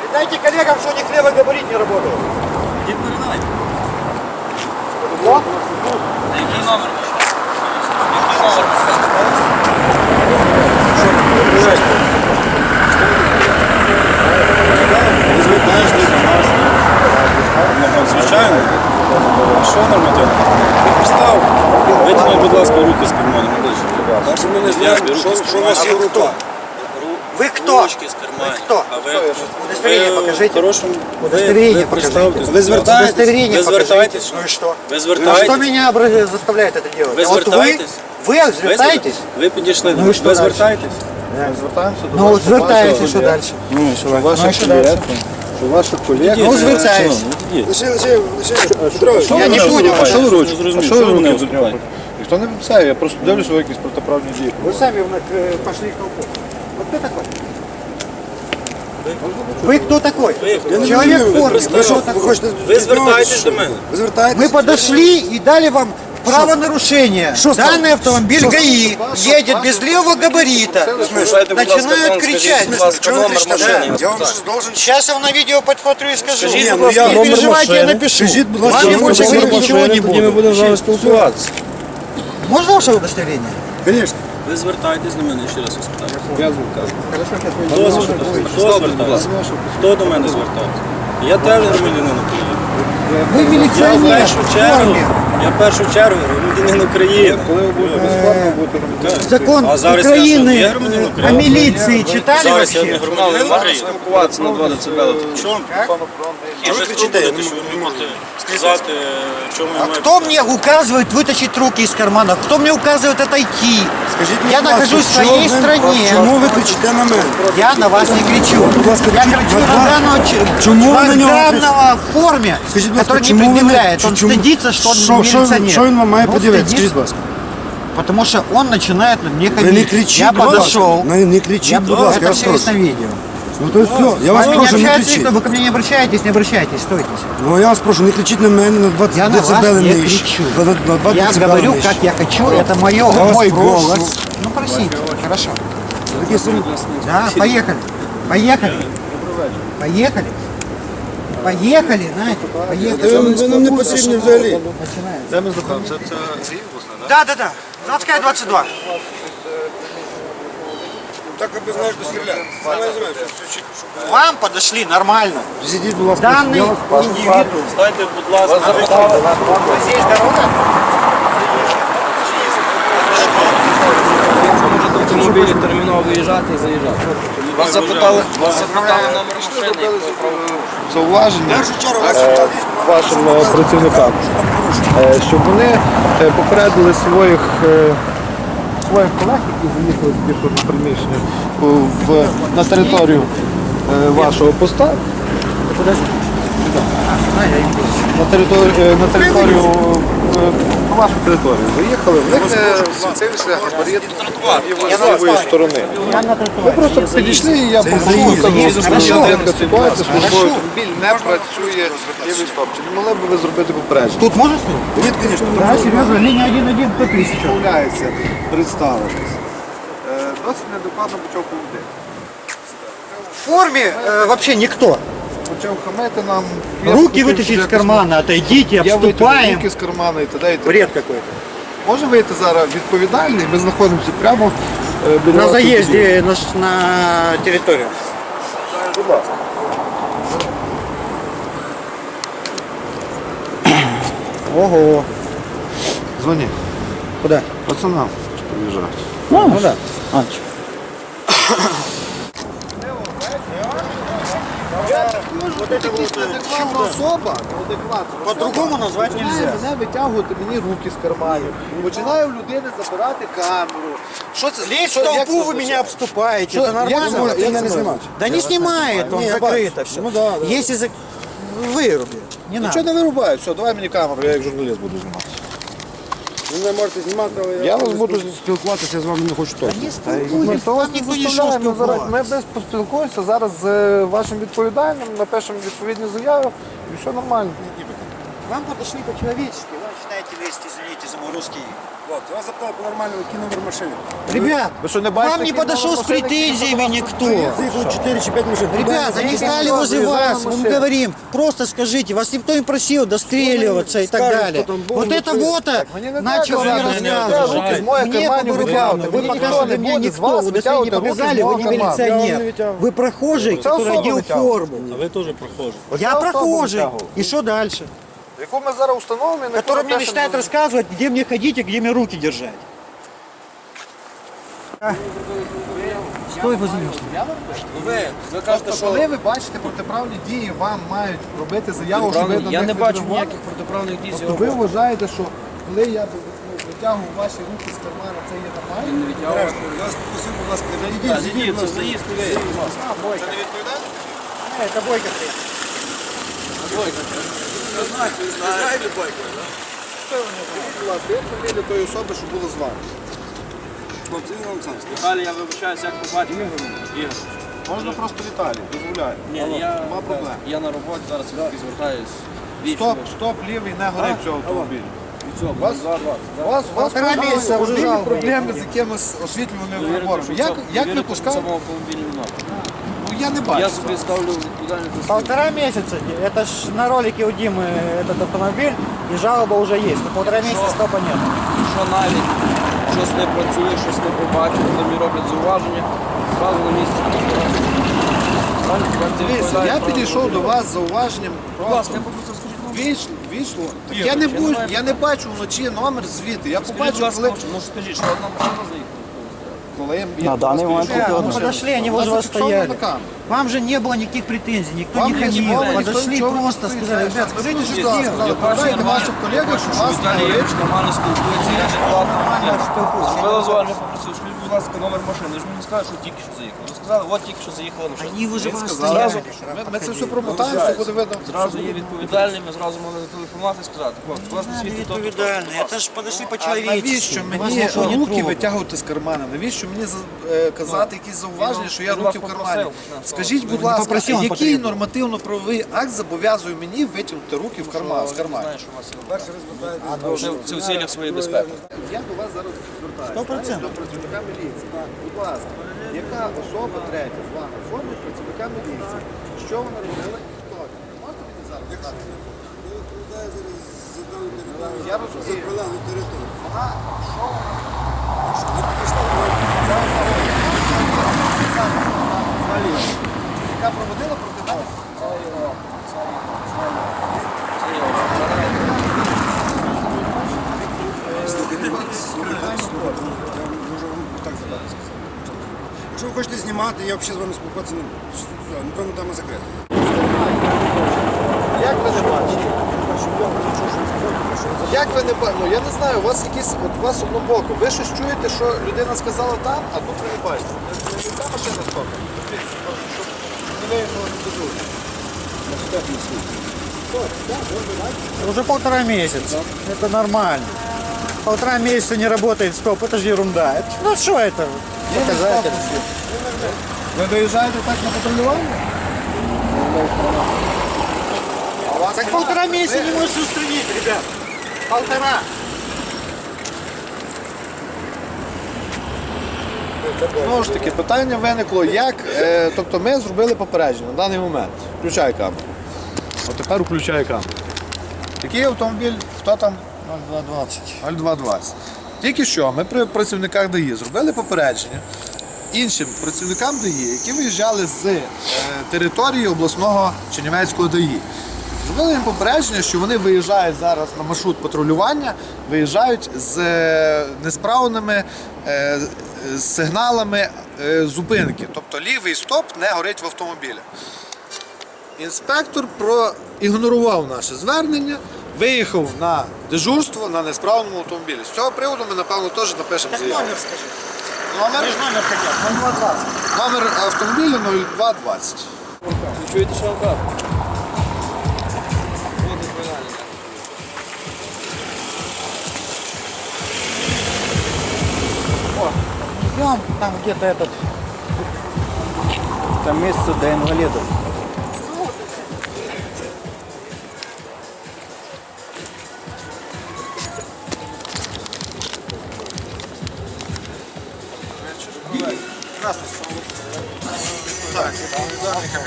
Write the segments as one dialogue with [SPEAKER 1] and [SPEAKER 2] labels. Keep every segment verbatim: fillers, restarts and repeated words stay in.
[SPEAKER 1] Передайте коллегам, что у них левый габарит не работает.
[SPEAKER 2] Не передай.
[SPEAKER 1] Вот.
[SPEAKER 2] Який номер? Який номер? Звичайно. А що нормативно? Ти пристав. Витягніть, будь ласка, руки з карману.
[SPEAKER 3] Даже ми не знаємо, що у вас є в руках.
[SPEAKER 1] Вы кто?
[SPEAKER 2] Ручки з карману.
[SPEAKER 1] Вы кто?
[SPEAKER 2] А ви?
[SPEAKER 1] Удостоверение
[SPEAKER 2] Ви
[SPEAKER 1] покажите.
[SPEAKER 2] в хорошому...
[SPEAKER 1] Удостоверение
[SPEAKER 2] ви
[SPEAKER 1] покажите.
[SPEAKER 2] представтесь.
[SPEAKER 3] Ви звертаєтесь?
[SPEAKER 1] Удостоверение
[SPEAKER 2] Ви
[SPEAKER 1] покажите.
[SPEAKER 2] звертаєтесь?
[SPEAKER 1] Ну и что?
[SPEAKER 2] Ви
[SPEAKER 1] А
[SPEAKER 2] звертаєтесь?
[SPEAKER 1] что меня обра- заставляет это делать?
[SPEAKER 2] Ви
[SPEAKER 1] А вот
[SPEAKER 2] звертаєтесь?
[SPEAKER 1] Вы, вы звертаетесь?
[SPEAKER 2] Ви підійшли до
[SPEAKER 1] Ну і
[SPEAKER 2] нас.
[SPEAKER 1] що
[SPEAKER 2] Ви
[SPEAKER 1] дальше?
[SPEAKER 2] звертаєтесь?
[SPEAKER 3] Звертаємося до
[SPEAKER 1] Ну вот звертаетесь, что дальше?
[SPEAKER 3] Ну, що
[SPEAKER 1] Ну, і
[SPEAKER 3] ваших
[SPEAKER 1] що
[SPEAKER 3] колег,
[SPEAKER 1] дальше?
[SPEAKER 3] що ваших колег.
[SPEAKER 1] Ну, звертаюсь.
[SPEAKER 3] Лише, лише, лише, Петрович,
[SPEAKER 1] Я не понял.
[SPEAKER 3] А що ви ручку?
[SPEAKER 2] Зрозумів,
[SPEAKER 3] А
[SPEAKER 2] що
[SPEAKER 3] що
[SPEAKER 2] ви
[SPEAKER 3] ви
[SPEAKER 2] мене
[SPEAKER 3] руки
[SPEAKER 2] зупиняєте?
[SPEAKER 3] Ніхто не писає, я просто дивлюся, ви якісь протиправні дії.
[SPEAKER 1] Вы сами э, пошли к толпу. Вот кто такой? Вы кто такой? Человек в форме. Вы что такой?
[SPEAKER 2] Ви звертаєтесь до мене.
[SPEAKER 3] Ви звертаєтесь?
[SPEAKER 1] Мы подошли и дали вам правонарушение. Данный автомобиль ГАИ едет без левого габарита. Начинают кричать.
[SPEAKER 3] Я вам щось должен...
[SPEAKER 1] Сейчас я вам на видео подхватрю и скажу.
[SPEAKER 2] Скажите,
[SPEAKER 3] ну, я
[SPEAKER 1] Не
[SPEAKER 3] номер
[SPEAKER 1] переживайте, я
[SPEAKER 3] машини.
[SPEAKER 1] напишу.
[SPEAKER 3] Скажіть, будь ласка,
[SPEAKER 1] Вам я
[SPEAKER 3] номер
[SPEAKER 1] больше
[SPEAKER 3] машини.
[SPEAKER 1] говорить ничего не буду.
[SPEAKER 3] будемо з вами спілкуватися.
[SPEAKER 1] Можно ваше удостоверение?
[SPEAKER 3] Звісно.
[SPEAKER 2] Ви звертаєтесь до мене, ще раз вас питаю.
[SPEAKER 3] Я звертаюся.
[SPEAKER 2] Хто звертається? Хто звертається? Хто до мене звертається? Я теж громадянин України.
[SPEAKER 1] Вы
[SPEAKER 2] Я в
[SPEAKER 1] милиционер
[SPEAKER 2] першу
[SPEAKER 1] в
[SPEAKER 2] чергу,
[SPEAKER 1] форме.
[SPEAKER 2] я в першу чергу громадянин України.
[SPEAKER 3] Коли ви будете безплатно, будете робити.
[SPEAKER 1] Закон
[SPEAKER 2] А зараз я що, не
[SPEAKER 1] Украины
[SPEAKER 2] є громадянин
[SPEAKER 1] э,
[SPEAKER 2] України?
[SPEAKER 1] о милиции читали
[SPEAKER 2] Зараз я не
[SPEAKER 1] вообще?
[SPEAKER 2] громадянин України.
[SPEAKER 3] Спілкуватися на два децибели.
[SPEAKER 2] Чому? А ви кричите, що ви не можете сказати, чому я
[SPEAKER 1] А
[SPEAKER 2] маю...
[SPEAKER 1] кто мне указывает вытащить руки из кармана? Кто мне указывает отойти?
[SPEAKER 3] Скажіть,
[SPEAKER 1] Я
[SPEAKER 3] будь ласка,
[SPEAKER 1] нахожусь в
[SPEAKER 3] що
[SPEAKER 1] своей
[SPEAKER 3] ви-
[SPEAKER 1] стране.
[SPEAKER 3] Чому ви кричите на мене?
[SPEAKER 1] Я на вас не кричу.
[SPEAKER 3] ласка,
[SPEAKER 1] Я
[SPEAKER 3] чому-
[SPEAKER 1] кричу
[SPEAKER 3] ви-
[SPEAKER 1] на данного, ч-
[SPEAKER 3] чому ви на нього
[SPEAKER 1] данного в форме,
[SPEAKER 3] Скажіть, будь ласка,
[SPEAKER 1] который не
[SPEAKER 3] чому ви не-
[SPEAKER 1] предъявляет. Он
[SPEAKER 3] чому-
[SPEAKER 1] стыдится, что он
[SPEAKER 3] Що- що-
[SPEAKER 1] милиционер.
[SPEAKER 3] Що він вам має
[SPEAKER 1] Ну,
[SPEAKER 3] подивитися?
[SPEAKER 1] стыдится,
[SPEAKER 3] Скажіть, будь ласка.
[SPEAKER 1] Потому что он начинает на мне
[SPEAKER 3] Ви не
[SPEAKER 1] хамить.
[SPEAKER 3] кричіть,
[SPEAKER 1] Я
[SPEAKER 3] будь ласка.
[SPEAKER 1] подошел.
[SPEAKER 3] Не, не кричіть,
[SPEAKER 1] Я,
[SPEAKER 3] будь ласка, я
[SPEAKER 1] это
[SPEAKER 3] вас
[SPEAKER 1] все есть на
[SPEAKER 3] прошу.
[SPEAKER 1] видео.
[SPEAKER 3] Ну то все, я вас
[SPEAKER 1] С вами не
[SPEAKER 3] прошу, не
[SPEAKER 1] общается
[SPEAKER 3] кричіть.
[SPEAKER 1] никто, вы ко мне не обращаетесь, не обращайтесь, стойте.
[SPEAKER 3] Ну я вас прошу, не кричіть на мене на двадцять
[SPEAKER 1] Я на вас
[SPEAKER 3] децибели
[SPEAKER 1] не
[SPEAKER 3] нижче.
[SPEAKER 1] кричу.
[SPEAKER 3] На, на, на два
[SPEAKER 1] Я
[SPEAKER 3] децибели
[SPEAKER 1] говорю,
[SPEAKER 3] нижче.
[SPEAKER 1] как я хочу, это мое,
[SPEAKER 3] вас
[SPEAKER 1] мой
[SPEAKER 3] прошу.
[SPEAKER 1] голос. Ну просите, хорошо.
[SPEAKER 3] Такі самі-
[SPEAKER 1] Да, поехали. Поехали. Поехали. Поехали, знаете, поехали.
[SPEAKER 3] Ви, ви нам не потрібні взагалі.
[SPEAKER 2] Де ми знаходимося? Це Сергій Обласний,
[SPEAKER 1] Да, да, да. Заводская двадцать два.
[SPEAKER 3] Так аби знаєш, до стріляти.
[SPEAKER 1] Вам подошли нормально.
[SPEAKER 3] Зійдіть, будь ласка.
[SPEAKER 1] Данный индивидуум.
[SPEAKER 2] Стайте, будь ласка,
[SPEAKER 1] Вот здесь дорога.
[SPEAKER 4] Автомобілі терміново виїжджати і заїжджати.
[SPEAKER 2] вас запитали.
[SPEAKER 4] Вас запитали номер машини.
[SPEAKER 3] Зауваження вашим е, працівникам, е, щоб вони е, попередили своїх, е, своїх колег, які заїхали в пішохідне приміщення в, на територію е, вашого поста, на територію, е, на територію, е, на вашу територію заїхали, в них е, світився габарит з лівої сторони. Ви просто підійшли і я попрошу, така ситуація, службовий автомобіль не працює лівий стоп. Чи не могли б ви зробити попередження?
[SPEAKER 1] Тут можешь снять?
[SPEAKER 3] Ні, звісно,
[SPEAKER 1] Да, серьезно, линия один один по тысяча.
[SPEAKER 3] відмовляється представитись. Е, Досить неадекватно почав поводити.
[SPEAKER 1] В форме э, вообще никто.
[SPEAKER 3] Почав хамити нам. Я
[SPEAKER 1] Руки
[SPEAKER 3] хотів,
[SPEAKER 1] вытащить
[SPEAKER 3] щоб
[SPEAKER 1] из кармана, отойдите,
[SPEAKER 3] Я витягнув
[SPEAKER 1] обступаем.
[SPEAKER 3] руки з кармана і т.д. і т.п.
[SPEAKER 1] Бред какой-то.
[SPEAKER 3] Може вийти зараз відповідальний, ми знаходимося прямо е, біля
[SPEAKER 1] На
[SPEAKER 3] вашого будинку.
[SPEAKER 1] заезде на, ш- на территорию.
[SPEAKER 3] Будь ласка.
[SPEAKER 1] Ого.
[SPEAKER 3] Дзвони.
[SPEAKER 1] Куда?
[SPEAKER 3] Пацанам, що приїжджають.
[SPEAKER 1] Ну, ну да. А,
[SPEAKER 3] Вот это вот неадекватна особа, неадекватна.
[SPEAKER 1] По-другому назвать
[SPEAKER 3] Починає
[SPEAKER 1] нельзя.
[SPEAKER 3] мене витягувати мені руки з карманів. Починаю в людини забирати камеру. Що це?
[SPEAKER 1] Лезть
[SPEAKER 3] що-
[SPEAKER 1] в
[SPEAKER 3] як
[SPEAKER 1] толпу
[SPEAKER 3] це
[SPEAKER 1] вы
[SPEAKER 3] означає?
[SPEAKER 1] меня обступаете.
[SPEAKER 3] Що-
[SPEAKER 1] Это
[SPEAKER 3] як
[SPEAKER 1] нормально?
[SPEAKER 3] це може- як це може?
[SPEAKER 1] Да не снимает, он
[SPEAKER 3] Не, я
[SPEAKER 1] закрыто
[SPEAKER 3] бачу.
[SPEAKER 1] все.
[SPEAKER 3] Ну да, да.
[SPEAKER 1] Если за... выруби, не надо.
[SPEAKER 3] Нічого не вирубаю, все, давай мені камеру, я як журналіст буду знімати.
[SPEAKER 5] Ви не можете знімати, але
[SPEAKER 3] Я вас буду спілкуватися, я з вами не хочу точно.
[SPEAKER 1] Не спілкуйтесь, вам ніхто не йшов
[SPEAKER 3] Ми
[SPEAKER 1] спілкуватися.
[SPEAKER 3] без поспілкуємося зараз з е, вашим відповідальним, напишемо відповідні заяви і все нормально.
[SPEAKER 1] Вам подошли по-человечески, вы начинаете лезть, извините за мой русский
[SPEAKER 5] Хлопці, вас запитали по-нормальному, який номер машини.
[SPEAKER 1] Ребят,
[SPEAKER 3] Ви що, не бачите,
[SPEAKER 1] вам не
[SPEAKER 3] який
[SPEAKER 1] подошел
[SPEAKER 3] номер
[SPEAKER 1] с
[SPEAKER 3] машини,
[SPEAKER 1] претензиями
[SPEAKER 3] який
[SPEAKER 1] никто.
[SPEAKER 5] Заїхало чотири чи п'ять машин.
[SPEAKER 1] Ребята, они стали возле вас, мы вам говорим, просто скажите, вас никто не просил достреливаться и так
[SPEAKER 5] скажут,
[SPEAKER 1] далее.
[SPEAKER 5] кто там был,
[SPEAKER 1] Вот
[SPEAKER 5] ну,
[SPEAKER 1] это
[SPEAKER 5] ты-
[SPEAKER 1] вот
[SPEAKER 3] мені не
[SPEAKER 1] начал
[SPEAKER 3] треба
[SPEAKER 1] мне
[SPEAKER 3] казати,
[SPEAKER 1] рассказывать.
[SPEAKER 3] руки з моїх
[SPEAKER 1] Мне
[SPEAKER 3] карманів
[SPEAKER 1] по
[SPEAKER 3] витягувати.
[SPEAKER 1] рукам,
[SPEAKER 3] Ви
[SPEAKER 1] вы
[SPEAKER 3] ніхто
[SPEAKER 1] показали
[SPEAKER 3] не
[SPEAKER 1] мне
[SPEAKER 3] буде з
[SPEAKER 1] никто,
[SPEAKER 3] вас
[SPEAKER 1] вы
[SPEAKER 3] витягувати
[SPEAKER 1] достойно
[SPEAKER 3] руки з
[SPEAKER 1] показали,
[SPEAKER 3] мого
[SPEAKER 1] вы не
[SPEAKER 3] кармана. Я вам не
[SPEAKER 1] милиционер.
[SPEAKER 3] витягую.
[SPEAKER 1] Вы прохожий,
[SPEAKER 3] Це
[SPEAKER 1] который
[SPEAKER 3] особа
[SPEAKER 1] одел
[SPEAKER 3] витягувала.
[SPEAKER 1] форму.
[SPEAKER 2] А ви теж прохожі.
[SPEAKER 1] Я
[SPEAKER 3] особа
[SPEAKER 1] прохожий.
[SPEAKER 3] вытягивала.
[SPEAKER 1] И что дальше?
[SPEAKER 3] Яку ми зараз установимо, і на
[SPEAKER 1] Который
[SPEAKER 3] яку
[SPEAKER 1] мне
[SPEAKER 3] ми
[SPEAKER 1] начинает
[SPEAKER 3] пишемо-
[SPEAKER 1] рассказывать, где мне ходить и где мне руки держать. Стой возле меня.
[SPEAKER 4] Ви, ви кажете,
[SPEAKER 3] Тобто,
[SPEAKER 4] що...
[SPEAKER 3] коли ви бачите протиправні дії, вам мають робити заяву, що ви
[SPEAKER 4] Протиправні-
[SPEAKER 3] до
[SPEAKER 4] Я
[SPEAKER 3] них
[SPEAKER 4] не бачу
[SPEAKER 3] відреагували?
[SPEAKER 4] ніяких протиправних дій з
[SPEAKER 3] Тобто
[SPEAKER 4] його
[SPEAKER 3] ви
[SPEAKER 4] боку.
[SPEAKER 3] вважаєте, що коли я ну, витягую ваші руки з кармана, це є нормально?
[SPEAKER 4] Він не відтягував.
[SPEAKER 5] Я вас попросив, будь ласка, не
[SPEAKER 4] Та,
[SPEAKER 5] зайдіть.
[SPEAKER 4] Зійдіть, це заїзд не вийде.
[SPEAKER 1] А, бойка.
[SPEAKER 5] Це не відповідає?
[SPEAKER 1] Э, Это бойка. блин.
[SPEAKER 5] Ви знаєте, ви знаєте бойку, так?
[SPEAKER 3] Будь ласка, як фамілія тої особи, що було з вами?
[SPEAKER 5] Хлопці, він вам сам скаже.
[SPEAKER 4] Далі я вибачаюся, як побачив. Ігор.
[SPEAKER 3] Можна просто Віталій, дозволяю.
[SPEAKER 4] Ні, я,
[SPEAKER 3] Нема проблем.
[SPEAKER 4] я на роботі, зараз я таки звертаюсь.
[SPEAKER 3] Стоп, стоп, лівий, не горить цього автомобіля.
[SPEAKER 4] Від
[SPEAKER 3] У вас, у вас, у вас
[SPEAKER 1] Полтора місяця вже
[SPEAKER 3] можливі
[SPEAKER 1] жалоби.
[SPEAKER 3] проблеми з якимись освітлюваними приборами. Як, як ви пускаєте?
[SPEAKER 4] самому автомобільному напрямку.
[SPEAKER 3] Ну я не
[SPEAKER 4] Я
[SPEAKER 3] бачу.
[SPEAKER 4] собі ставлю відповідальність за свій.
[SPEAKER 1] Полтора месяца. Это ж на ролике у Димы этот автомобиль, и жалоба уже есть. Но полтора месяца стопа нет.
[SPEAKER 4] Що навіть щось не працює, щось не побачив, коли мені роблять зауваження, одразу на місці. Правильно? Тепер це
[SPEAKER 3] Дивіться,
[SPEAKER 4] відповідає
[SPEAKER 3] я
[SPEAKER 4] правилам.
[SPEAKER 3] підійшов до вас з зауваженням.
[SPEAKER 4] Будь ласка, я попросив, скажіть, ну,
[SPEAKER 3] Вийшло, вийшло. Так
[SPEAKER 4] Ігор,
[SPEAKER 3] я не
[SPEAKER 4] я не
[SPEAKER 3] буду,
[SPEAKER 4] знаю.
[SPEAKER 3] я не бачу вночі номер звідти. Я
[SPEAKER 4] скажіть, будь
[SPEAKER 3] побачив,
[SPEAKER 4] ласка,
[SPEAKER 3] коли,
[SPEAKER 4] ну скажіть, що одна машина заїхала.
[SPEAKER 3] коли я
[SPEAKER 1] На данный момент
[SPEAKER 3] підійшов,
[SPEAKER 1] мы
[SPEAKER 3] машина.
[SPEAKER 1] подошли, они
[SPEAKER 3] У вас
[SPEAKER 1] возле вас
[SPEAKER 3] зафіксовано
[SPEAKER 1] стояли.
[SPEAKER 3] на камеру.
[SPEAKER 1] Вам же не было никаких претензий, никто
[SPEAKER 3] Вам
[SPEAKER 1] не
[SPEAKER 3] не
[SPEAKER 1] хамил.
[SPEAKER 3] слово, никто
[SPEAKER 1] Подошли
[SPEAKER 3] ничего не
[SPEAKER 1] просто,
[SPEAKER 3] говорит.
[SPEAKER 1] сказали, ребят, скажите,
[SPEAKER 3] Скажите,
[SPEAKER 1] что
[SPEAKER 3] что
[SPEAKER 1] делать?
[SPEAKER 3] сказали, передайте вашим колегам, що вас не
[SPEAKER 4] Віталій
[SPEAKER 3] горить.
[SPEAKER 4] Євич нормально спілкується, я адекватно.
[SPEAKER 1] Нормально спілкуюся.
[SPEAKER 4] Зробила зауваження, попросив, скажіть, будь ласка, номер машини. Ви ж мені сказали, що тільки що заїхали. Ви сказали, от тільки що заїхала машина.
[SPEAKER 1] Они возле вас
[SPEAKER 3] Зразу,
[SPEAKER 1] стояли.
[SPEAKER 3] ми, ми це все промотаємо, все буде видно.
[SPEAKER 4] Зразу є відповідальні, ми зразу могли зателефонувати і сказати, хлопці, у вас не світить то, то, то,
[SPEAKER 1] Відповідальні.
[SPEAKER 4] то.
[SPEAKER 1] Это ж подошли
[SPEAKER 3] А
[SPEAKER 1] по-человечески.
[SPEAKER 3] навіщо
[SPEAKER 1] Вас
[SPEAKER 3] мені
[SPEAKER 1] нічого не
[SPEAKER 3] руки
[SPEAKER 1] трогало.
[SPEAKER 3] витягувати з кармана? Навіщо мені за- е, казати якісь зауваження, що я
[SPEAKER 4] він
[SPEAKER 3] руки в
[SPEAKER 4] вас
[SPEAKER 3] кармані?
[SPEAKER 4] попросив.
[SPEAKER 3] Скажіть, будь
[SPEAKER 1] не
[SPEAKER 3] ласка,
[SPEAKER 1] попросив, він
[SPEAKER 3] який
[SPEAKER 1] потрібен.
[SPEAKER 3] нормативно-правовий акт зобов'язує мені витягнути руки в карман з карману?
[SPEAKER 4] Знаєш, що у вас є. Це, це в цілях своєї безпеки.
[SPEAKER 3] Я до вас зараз звертаюся.
[SPEAKER 1] Сто процентів.
[SPEAKER 3] До працівника міліції. Будь ласка, яка особа третя з вами в формі працівника міліції? Що вона робила і хто? Можете мені зараз сказати? Я розумію. Вона що? Яка проводила проти мене?
[SPEAKER 5] Так задати сказати. Якщо ви хочете знімати, я взагалі з вами спілкуватися не буду. Все, напевно, там закрито.
[SPEAKER 3] Як ви не бачите? Як ви не бачите? Ну я не знаю, у вас якісь, от у вас однобоко. Ви щось чуєте, що людина сказала там, а тут ви не бачите. Не ця машина стопить. Не виїхала не дозує.
[SPEAKER 1] Уже полтора месяца. Это нормально. Полтора месяца не работает стоп, это же ерунда. Это- Ну что это? Показатель.
[SPEAKER 3] Ви виїжджаєте так на патрулювання?
[SPEAKER 1] Так полтора месяца не можешь устранить, ребят. Полтора.
[SPEAKER 3] Знову ж таки, питання виникло, як, е, тобто ми зробили попередження на даний момент. Включай камеру. От тепер включай камеру. Який автомобіль, хто там?
[SPEAKER 1] ноль два двадцать.
[SPEAKER 3] нуль два двадцять. Тільки що ми при працівниках ДАІ зробили попередження іншим працівникам ДАІ, які виїжджали з е, території обласного Чернівецького ДАІ. Зробили їм попередження, що вони виїжджають зараз на маршрут патрулювання, виїжджають з е, несправними е, з сигналами е, зупинки. Тобто лівий стоп не горить в автомобілі. Інспектор проігнорував наше звернення, виїхав на дежурство на несправному автомобілі. З цього приводу ми, напевно, теж напишемо заяву.
[SPEAKER 1] Номер скажи.
[SPEAKER 3] Номер,
[SPEAKER 1] Вы же номер хотят. ноль два двадцать.
[SPEAKER 3] номер автомобіля нуль два двадцять.
[SPEAKER 4] Ви чуєте, що я вам кажу? От відповідальність.
[SPEAKER 1] Идем, там где-то этот... Там место до инвалидов.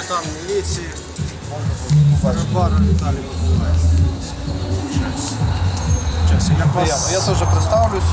[SPEAKER 5] капітан міліції. Барбара Віталій Миколаївич.
[SPEAKER 3] Я приємно. Я теж представлюсь.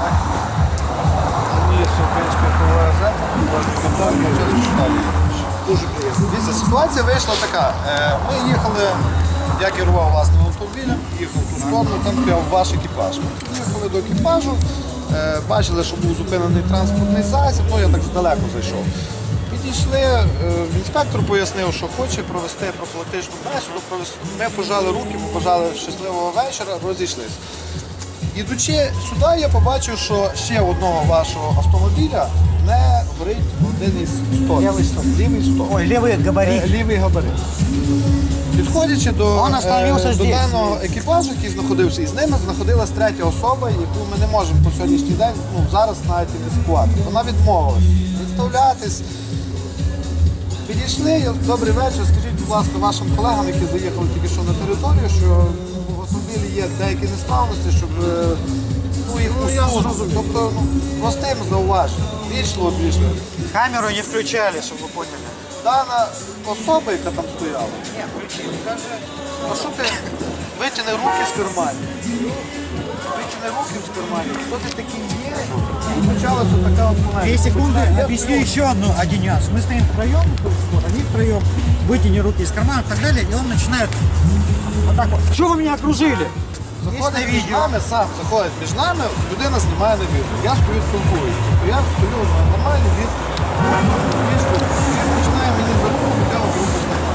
[SPEAKER 3] Мені з української ПВЗ, капітан Мовчанський штаб. Дуже приємно. Дивіться, ситуація вийшла така. Е, Ми їхали, я керував власним автомобілем, їхав в ту сторону, там стояв ваш екіпаж. Ми їхали до екіпажу, е, бачили, що був зупинений транспортний засіб, ну я так здалеку зайшов. Підійшли, е, інспектор пояснив, що хоче провести профілактичну бесіду. провести- Ми пожали руки, побажали щасливого вечора, розійшлися. Ідучи сюди, я побачив, що ще одного вашого автомобіля не горить один із столів.
[SPEAKER 1] Лівий стоп.
[SPEAKER 3] Лівий стоп.
[SPEAKER 1] Ой, левый габарит.
[SPEAKER 3] Е, Лівий габарит. Підходячи до,
[SPEAKER 1] Он остановився
[SPEAKER 3] е, до
[SPEAKER 1] здесь.
[SPEAKER 3] даного екіпажу, який знаходився, і з ними знаходилась третя особа, яку ми не можемо по сьогоднішній день, ну зараз навіть ідентифікувати. Вона відмовилась представлятись. Підійшли, я- добрий вечір. Скажіть, будь ласка, вашим колегам, які заїхали тільки що на територію, що в автомобілі є деякі несправності, щоб е, ну, їх усунути. Тобто ну, простим зауваженням. Вічливо пішли.
[SPEAKER 1] Камеру не включали, чтобы вы поняли.
[SPEAKER 3] Дана особа, яка там стояла, каже, а що ти витягни руки з карманів? Витягни руки з карманів. Хто ти такий є? І почалася така от полеміка.
[SPEAKER 1] Две секунды,
[SPEAKER 3] Я
[SPEAKER 1] объясню еще одну, Одиняс. Мы стоим втроем, они втроем, вытяни руки из кармана и так далее, и он начинает вот так вот. Что вы меня окружили? Есть на
[SPEAKER 3] Заходить між
[SPEAKER 1] видео.
[SPEAKER 3] нами, сам заходить між нами, людина знімає на відео. Я стою спілкуюся. Тобто я стою на нормальній відстані. Він починає мені за руку, я от руку знімаю.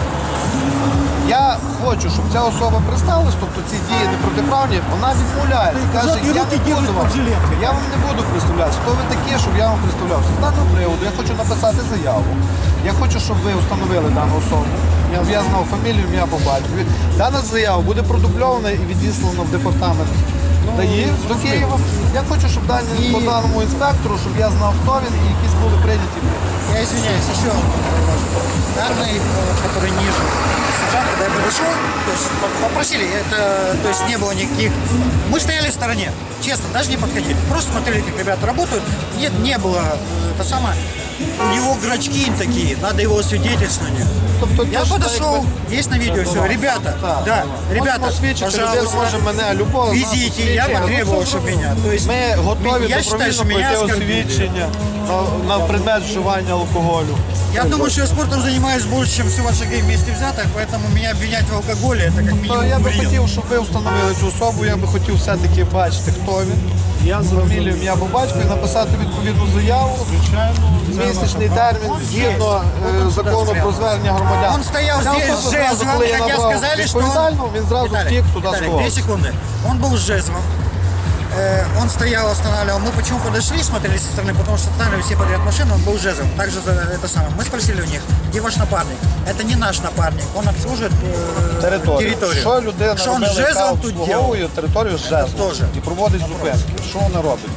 [SPEAKER 3] Я хочу, щоб ця особа представилась, тобто ці дії непротиправні, вона відмовляється. Каже,
[SPEAKER 1] і
[SPEAKER 3] я
[SPEAKER 1] руки
[SPEAKER 3] не
[SPEAKER 1] ділить
[SPEAKER 3] буду вам,
[SPEAKER 1] під жилеткою.
[SPEAKER 3] я вам не буду представлятися. Хто ви такі, щоб я вам представлявся? З даного приводу я хочу написати заяву. Я хочу, щоб ви встановили дану особу. Я в'язнав фамілію, ім'я по батькові. Дана заява буде продубльована і відіслана в департамент ДАІ до Києва. Я хочу, щоб дані, по даному інспектору, щоб я знав, хто він і якісь були прийняті.
[SPEAKER 1] Я извиняюсь, еще данный, э, который ниже, сержант, когда я подошел, то есть по- попросили, это, то есть не было никаких, мы стояли в стороне, честно, даже не подходили, просто смотрели, как ребята работают, нет, не было, э, это самое, у него грачки такие, надо его освидетельствование.
[SPEAKER 3] Тобто,
[SPEAKER 1] Я
[SPEAKER 3] те, що
[SPEAKER 1] подошел,
[SPEAKER 3] якби-
[SPEAKER 1] есть на видео все, ребята,
[SPEAKER 3] Так,
[SPEAKER 1] да, ребята,
[SPEAKER 3] можемо свідчити, людина
[SPEAKER 1] пожалуйста,
[SPEAKER 3] може мене любого з нас
[SPEAKER 1] везите, я
[SPEAKER 3] освідчити.
[SPEAKER 1] потребовал, чтобы меня, то есть,
[SPEAKER 3] Ми готові
[SPEAKER 1] я считаю, что
[SPEAKER 3] добровільно
[SPEAKER 1] меня
[SPEAKER 3] пройти
[SPEAKER 1] оскорбили.
[SPEAKER 3] освідчення на, на предмет вживання алкоголю.
[SPEAKER 1] Я думаю, что я спортом занимаюсь больше, чем все ваши гей вместе взятых, поэтому меня обвинять в алкоголе, это как
[SPEAKER 3] То
[SPEAKER 1] минимум
[SPEAKER 3] я би
[SPEAKER 1] бред.
[SPEAKER 3] хотів, щоб ви встановили цю особу, я би хотів все-таки бачити, хто він. Я з фамілію, ім'я по батьку і написати відповідну заяву. Місячний термін згідно е, закону про звернення громадян.
[SPEAKER 1] Он стоял
[SPEAKER 3] Ця
[SPEAKER 1] здесь
[SPEAKER 3] особа
[SPEAKER 1] с
[SPEAKER 3] зразу,
[SPEAKER 1] жезлом,
[SPEAKER 3] коли я
[SPEAKER 1] хотя
[SPEAKER 3] набрав
[SPEAKER 1] сказали, что он...
[SPEAKER 3] відповідального, він зразу
[SPEAKER 1] Виталий,
[SPEAKER 3] втік туди
[SPEAKER 1] Виталий,
[SPEAKER 3] сховався.
[SPEAKER 1] две секунды. Он был с жезлом. Э, Он стоял, останавливал. Мы почему подошли, смотрели со стороны, потому что останавливали все подряд машины, он был с жезлом. Также за это самое. Мы спросили у них, где ваш напарник? Это не наш напарник, он обслуживает э,
[SPEAKER 3] Територію.
[SPEAKER 1] территорию.
[SPEAKER 3] Що людина
[SPEAKER 1] Что он с
[SPEAKER 3] робила, яка
[SPEAKER 1] жезлом тут делал?
[SPEAKER 3] обслуговує територію з жезлом
[SPEAKER 1] теж.
[SPEAKER 3] і проводить зупинки. Що вони роблять?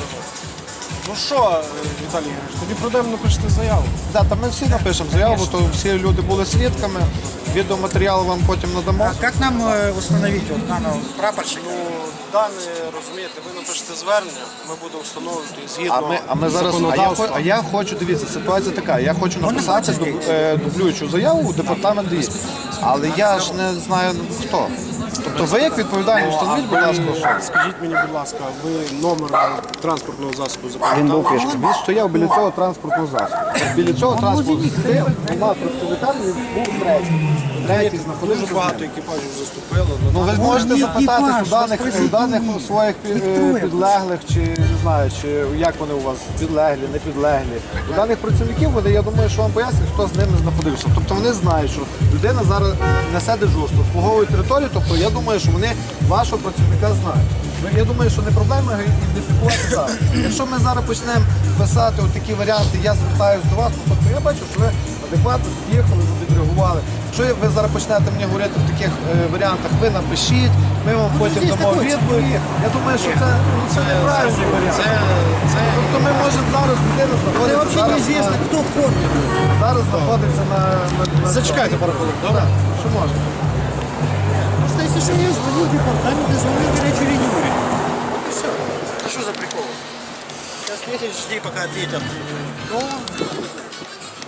[SPEAKER 2] Ну що, Віталій Ігорович, тоді пройдемо напишете заяву.
[SPEAKER 3] Да, та ми всі напишемо заяву, то всі люди були свідками. Відеоматеріал вам потім надамо.
[SPEAKER 1] А как нам э, установить вот данного прапорщика?
[SPEAKER 2] Дане, розумієте, ви напишете звернення, ми будемо встановлювати згідно
[SPEAKER 3] А ми, а ми зараз, а я,
[SPEAKER 2] законодавства.
[SPEAKER 3] хо- а я хочу, дивіться, ситуація така, я хочу написати
[SPEAKER 1] бачить,
[SPEAKER 3] дуб- е, дублюючу заяву у департамент ДІ. Але я ж не знаю хто. Тобто ви як відповідальний, встановіть, будь ласка, особу.
[SPEAKER 2] Скажіть мені, будь ласка, ви номер транспортного засобу запам'ятали?
[SPEAKER 3] Він стояв біля цього транспортного засобу. Біля цього транспортного засобу двома представниками він був третій. Третій
[SPEAKER 2] Дуже
[SPEAKER 3] знаходився.
[SPEAKER 2] багато екіпажів заступило.
[SPEAKER 3] Ну ви можете
[SPEAKER 1] Ні,
[SPEAKER 3] запитати
[SPEAKER 1] екіпаж,
[SPEAKER 3] у даних,
[SPEAKER 1] спросіть,
[SPEAKER 3] у даних
[SPEAKER 1] ні.
[SPEAKER 3] своїх пі- е, підлеглих, чи не знаю, чи як вони у вас підлеглі, не підлеглі. У даних працівників вони, я думаю, що вам пояснять, хто з ними знаходився. Тобто вони знають, що людина зараз несе дежурство, обслуговує територію, тобто я думаю, що вони вашого працівника знають. Ви- Я думаю, що не проблема його ідентифікувати зараз. Якщо ми зараз почнемо писати от такі варіанти, я звертаюся до вас, ну, тобто я бачу, що ви адекватно під'їхали, ви відреагували. Якщо ви зараз почнете мені говорити в таких е, варіантах, ви напишіть, ми вам потім
[SPEAKER 1] здесь
[SPEAKER 3] дамо
[SPEAKER 1] такой
[SPEAKER 3] відповідь. Я думаю, що це, ну, це неправильний варіант. Тобто ми можемо зараз, людина
[SPEAKER 1] Это
[SPEAKER 3] знаходиться
[SPEAKER 1] вообще
[SPEAKER 3] зараз,
[SPEAKER 1] неизвестно,
[SPEAKER 3] на,
[SPEAKER 1] кто в форме.
[SPEAKER 3] зараз знаходиться на... на, на
[SPEAKER 2] Зачекайте пару хвилин, добре?
[SPEAKER 3] Що можна?
[SPEAKER 1] Просто если что, я звоню в департамент и звоню в горячую линию. Вот и все. Это что за прикол? Сейчас месяц жди, пока ответят. Ну,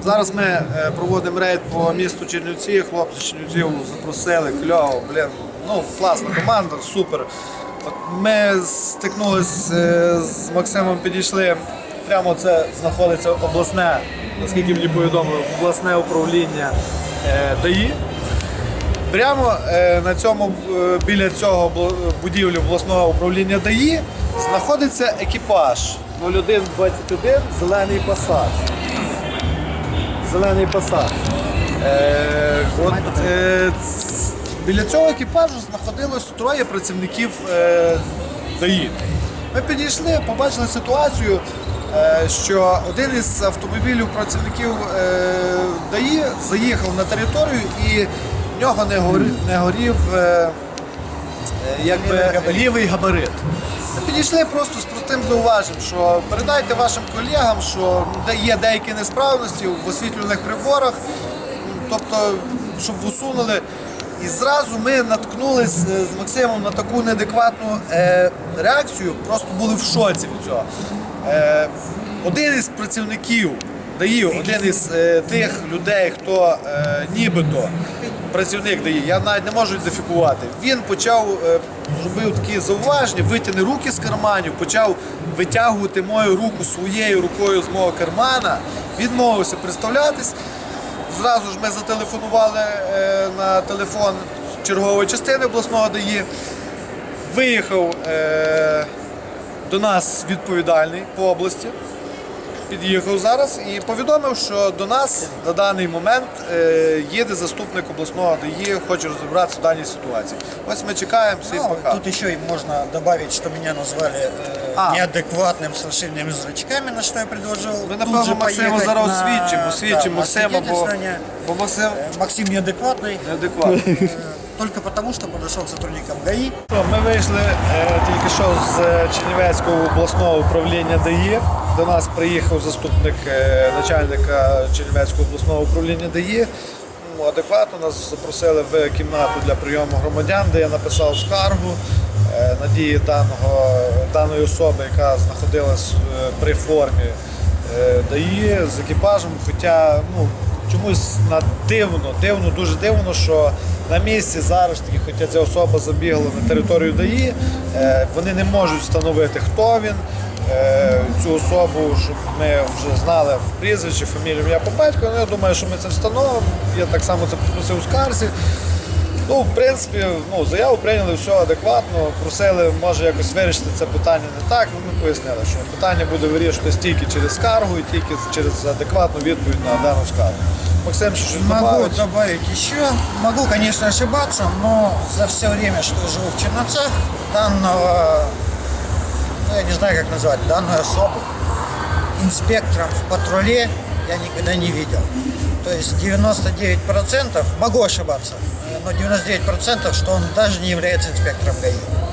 [SPEAKER 3] Зараз ми е, проводимо рейд по місту Чернівці. Хлопці з Чернівців запросили, кльово, блін, ну класна команда, супер. От ми стикнулися е, з Максимом, підійшли. Прямо це знаходиться обласне, наскільки мені повідомили, обласне управління е, ДАІ. Прямо е, на цьому, е, біля цього бу- будівлі обласного управління ДАІ знаходиться екіпаж нуль один двадцять один зелений Passat. Зелений Passat. Е, от, е, ц- біля цього екіпажу знаходилось троє працівників е, ДАІ. Ми підійшли, побачили ситуацію, е, що один із автомобілів працівників е, ДАІ заїхав на територію і в нього не горів, не горів е, е, якби, лівий габарит. Ми підійшли просто з простим зауваженням, що передайте вашим колегам, що де- є деякі несправності в освітлюваних приборах, тобто, щоб усунули. І зразу ми наткнулись е, з Максимом на таку неадекватну е, реакцію, просто були в шоці від цього. Е, один із працівників ДАІ, один із е, тих людей, хто е, нібито працівник ДАІ, я навіть не можу ідентифікувати, він почав, е, зробив такі зауваження, витягни руки з карманів, почав витягувати мою руку своєю рукою з мого кармана, відмовився представлятись. Зразу ж ми зателефонували е, на телефон чергової частини обласного ДАІ. Виїхав е, до нас відповідальний по області, під'їхав зараз і повідомив, що до нас на даний момент е, їде заступник обласного ДАІ, хоче розібратися в даній ситуації. Ось ми чекаємо, всі
[SPEAKER 1] Ну,
[SPEAKER 3] пока.
[SPEAKER 1] тут еще и можно добавить, что меня назвали э,
[SPEAKER 3] А.
[SPEAKER 1] неадекватным с расширенными зрачками, на что я предложил.
[SPEAKER 3] Ми,
[SPEAKER 1] тут
[SPEAKER 3] напевно,
[SPEAKER 1] же
[SPEAKER 3] Максиму
[SPEAKER 1] поехать
[SPEAKER 3] зараз
[SPEAKER 1] на-
[SPEAKER 3] освідчимо, освідчимо
[SPEAKER 1] да,
[SPEAKER 3] Максима, бо,
[SPEAKER 1] освидетельствование.
[SPEAKER 3] бо Максим
[SPEAKER 1] Э, Максим неадекватный,
[SPEAKER 3] неадекватний.
[SPEAKER 1] э, только потому, что подошел к сотрудникам ГАИ.
[SPEAKER 3] Ми вийшли е, тільки що з е, Чернівецького обласного управління ДАІ. До нас приїхав заступник е, начальника Чернівецького обласного управління ДАІ. Ну, адекватно нас запросили в кімнату для прийому громадян, де я написав скаргу е, на дії даного, даної особи, яка знаходилась е, при формі е, ДАІ з екіпажем. Хоча ну, чомусь на дивно, дивно, дуже дивно, що на місці зараз таки, хоча ця особа забігла на територію ДАІ, е, вони не можуть встановити, хто він, е, цю особу, щоб ми вже знали в прізвище, фамілію, ім'я по батькові. Ну, я думаю, що ми це встановимо. Я так само це попросив у скарзі. Ну, в принципі, ну, заяву прийняли, все адекватно, просили, може якось вирішити це питання не так. Ну, ми пояснили, що питання буде вирішуватись тільки через скаргу і тільки через адекватну відповідь на дану скаргу. Максим, що щось
[SPEAKER 1] Могу
[SPEAKER 3] добавить?
[SPEAKER 1] добавить еще. Могу, конечно, ошибаться, но за все время, что живу в Черновцах, данного, ну, я не знаю, как назвать, данную особу инспектором в патруле я никогда не видел. То есть девяносто девять процентов, могу ошибаться, но девяносто девять процентов, что он даже не является инспектором ГАИ.